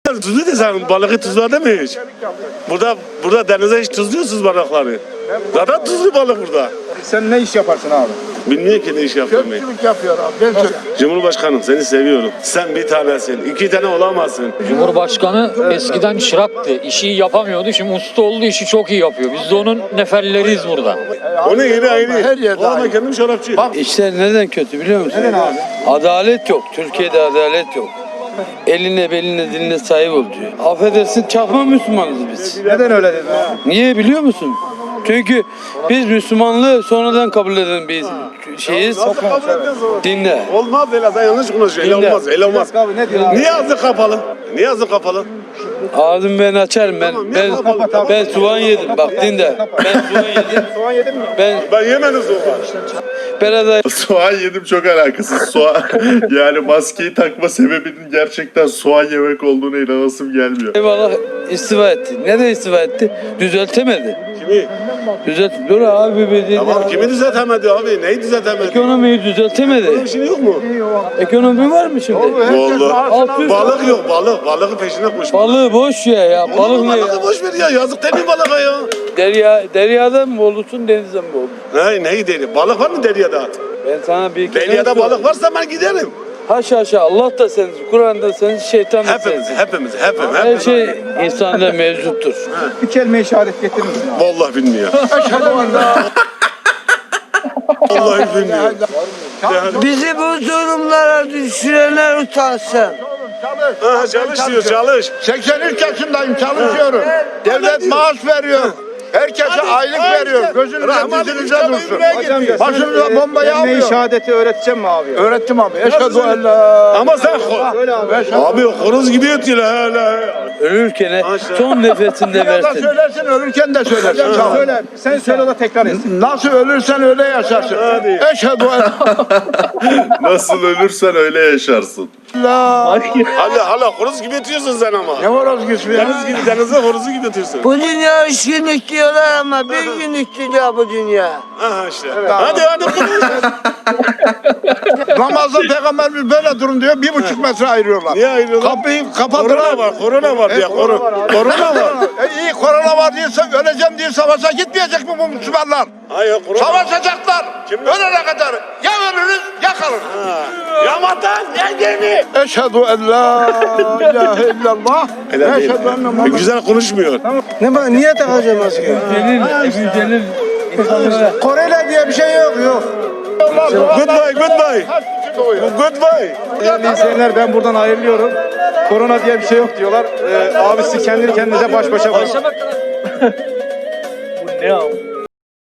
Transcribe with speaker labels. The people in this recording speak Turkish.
Speaker 1: Tuzlu desen balığı tuzladı mı hiç? Burada denize hiç tuzluyorsunuz balıkları. Zaten tuzlu balık burada.
Speaker 2: Sen ne iş yaparsın abi?
Speaker 1: Bilmiyor ki ne iş yaptığımı.
Speaker 2: Köpçülük yapıyor abi.
Speaker 1: Cumhurbaşkanım seni seviyorum. Sen bir tanesin. 2 tane olamazsın.
Speaker 3: Cumhurbaşkanı eskiden çıraktı. İşi yapamıyordu. Şimdi usta olduğu işi çok iyi yapıyor. Biz de onun neferleriyiz burada.
Speaker 1: Onun yeri ayrı.
Speaker 2: Her yerde
Speaker 1: O ama
Speaker 2: ayrı.
Speaker 1: kendim şarapçı.
Speaker 4: İşler neden kötü biliyor musun?
Speaker 2: Neden abi?
Speaker 4: Adalet yok. Türkiye'de adalet yok. Eline beline diline sahip ol diyor. Affedersin çakma Müslümanız biz.
Speaker 2: Neden öyle dedin abi?
Speaker 4: Niye biliyor musun? Çünkü biz Müslümanlığı sonradan kabul eden bir şeyiz.
Speaker 1: Nasıl kabul ediyorsun?
Speaker 4: Dinle.
Speaker 1: Olmaz öyle. Sen yanlış konuşuyorsun. Öyle
Speaker 4: Dinle.
Speaker 1: olmaz. Öyle olmaz.
Speaker 2: Abi ne diyor abi?
Speaker 1: Niye ağzı kapalı? Niye ağzı kapalı?
Speaker 4: Ağzımı ben açarım. Ben soğan yedim. Bak dinle. Ben soğan yedim.
Speaker 2: Soğan yedin mi?
Speaker 1: Ben yemedim soğan.
Speaker 4: Ben
Speaker 5: Soğan yedim çok alakasız. Yani maskeyi takma sebebinin gerçekten soğan yemek olduğuna inanasım gelmiyor.
Speaker 4: eyvallah istifa etti. Neden istifa etti? Düzeltemedi.
Speaker 1: Kimi?
Speaker 4: Dur abi bir dinle.
Speaker 1: Tamam kimi düzeltemedi abi? Neyi düzeltemedi?
Speaker 4: Ekonomiyi düzeltemedi.
Speaker 1: Bir şey yok mu?
Speaker 4: Ekonomi var mı şimdi?
Speaker 1: Vallahi. Balık yok balık. Balığın peşine koş.
Speaker 4: Balığı boş ya. Balık ne ya?
Speaker 1: Balığı boş ver ya. Yazık değil mi balığa ya?
Speaker 4: Deryada mı olursun denizde mi olursun?
Speaker 1: Neyi deri? Balık var mı deryada?
Speaker 4: Ben sana bir kere
Speaker 1: Deryada
Speaker 4: söyleyeyim.
Speaker 1: balık varsa ben giderim.
Speaker 4: Haşa Allah da sensin, Kur'an da sensin, şeytan da sensin.
Speaker 1: Hepimiz.
Speaker 4: Her şey insanda mevcuttur.
Speaker 2: Bir kelime işaret getirir misin abi?
Speaker 1: Vallahi bilmiyor. Vallahi bilmiyor.
Speaker 6: Bizi bu durumlara düşürenler utansın.
Speaker 1: Ha, çalış diyor çalış.
Speaker 2: 83 yaşındayım, çalışıyorum. Devlet maaş veriyor. Herkese aylık veriyor. Gözünüze dizinize dursun. Başınıza bombayı almıyor. Kelime-i şehadeti öğreteceğim mi abi? Öğrettim abi. Eşhedü en la.
Speaker 1: Ama sen abi horoz gibi ötüyor hala.
Speaker 4: Ölürken son nefesinde
Speaker 2: Ya da
Speaker 4: versin.
Speaker 2: söylersin, ölürken de söylersin. Söyle. Sen söyle o da tekrar etsin. Nasıl ölürsen öyle yaşarsın.
Speaker 1: Hadi.
Speaker 2: Eşhedü en
Speaker 5: Nasıl ölürsen öyle yaşarsın.
Speaker 2: la.
Speaker 1: Hala horoz gibi ötüyorsun sen ama.
Speaker 2: Ne var az güçlü ya?
Speaker 1: Deniz gibi denize horozu gibi ötüyorsun.
Speaker 6: Bu dünya 3 günlük diyorlar ama bir günlük dünya bu dünya.
Speaker 1: Aha işte. Hadi konuş.
Speaker 2: Namazda peygamberimiz böyle durun diyor. 1,5 metre ayırıyorlar.
Speaker 1: Niye ayrılıyorlar?
Speaker 2: Kapıyı kapattılar.
Speaker 1: Korona var diye korona var.
Speaker 2: İyi korona var diyorsa öleceğim diye savaşa gitmeyecek mi bu Müslümanlar?
Speaker 1: Hayır korona.
Speaker 2: Savaşacaklar.
Speaker 1: Kim?
Speaker 2: Ölene kadar. Ya ölürüz ya kalırız.
Speaker 1: Ya vatan ya gemi.
Speaker 2: Eşhedü en la ilahe illallah. Eşhedü enne Muhammed.
Speaker 1: Güzel konuşmuyor.
Speaker 2: Niye takacağım maske?
Speaker 4: Yücelir.
Speaker 2: Koreli diye bir şey yok.
Speaker 1: Goodbye.
Speaker 2: Değerli izleyenler, ben buradan ayrılıyorum. Korona diye bir şey yok diyorlar. Abisi kendini kendinize baş başa bırak.
Speaker 3: Bu ne abi?